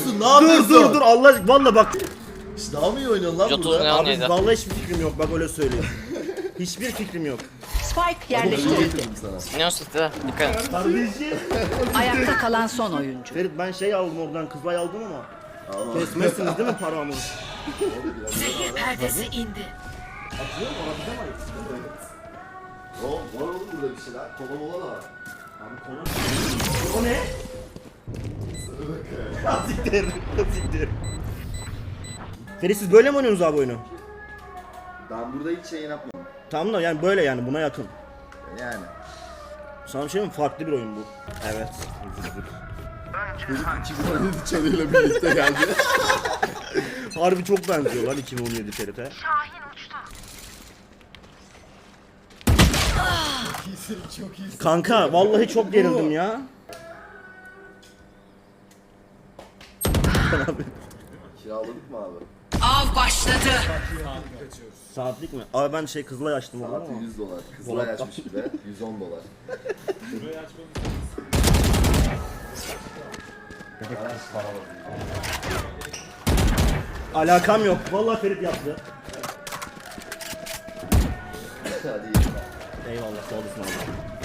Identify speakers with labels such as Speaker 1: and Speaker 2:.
Speaker 1: yapıyorsun? Ne yapıyorsun?
Speaker 2: Dur Allah aşkına valla bak.
Speaker 1: İşte daha mı iyi oynuyorsun lan
Speaker 3: 130
Speaker 1: burada?
Speaker 3: ne
Speaker 2: Abi
Speaker 3: neydi?
Speaker 2: vallahi hiçbir fikrim yok bak öyle söyleyeyim. Hiçbir fikrim yok.
Speaker 4: Spike
Speaker 1: Onu
Speaker 4: yerleştirildi.
Speaker 1: getirdim sana.
Speaker 3: Ne o site? Dikkat et.
Speaker 2: Kardeşim.
Speaker 4: Ayakta kalan son oyuncu.
Speaker 2: Ferit ben şey aldım oradan kızlay aldım ama. Kesmezsiniz değil mi paramı?
Speaker 5: Zehir perdesi indi.
Speaker 2: Atıyor mu? Atlamayız.
Speaker 1: Var oğlum burada bir şeyler. Kola mola da var.
Speaker 2: Abi konu. O ne? Siktir. Siktir. Ferit siz böyle mi oynuyorsunuz abi oyunu?
Speaker 1: Ben burada hiç şey yapmadım.
Speaker 2: Tamam da yani böyle yani buna yakın.
Speaker 1: Yani.
Speaker 2: Sana bir şey mi? Farklı bir oyun bu. Evet.
Speaker 1: Çocuk 2017 çanıyla birlikte geldi.
Speaker 2: Harbi çok benziyor lan 2017 Ferit'e.
Speaker 1: Çok iyisin.
Speaker 2: Kanka vallahi çok gerildim ya.
Speaker 1: Kiraladık mı abi?
Speaker 4: Av başladı.
Speaker 2: Saatlik mi? Abi ben şey Kızılay açtım onu
Speaker 1: Saati
Speaker 2: ama.
Speaker 1: $100. Kızılay açmış bir de. $110.
Speaker 2: Alakam yok. Vallahi Ferit yaptı.
Speaker 1: Hadi iyi.
Speaker 2: Eyvallah sağ olasın abi.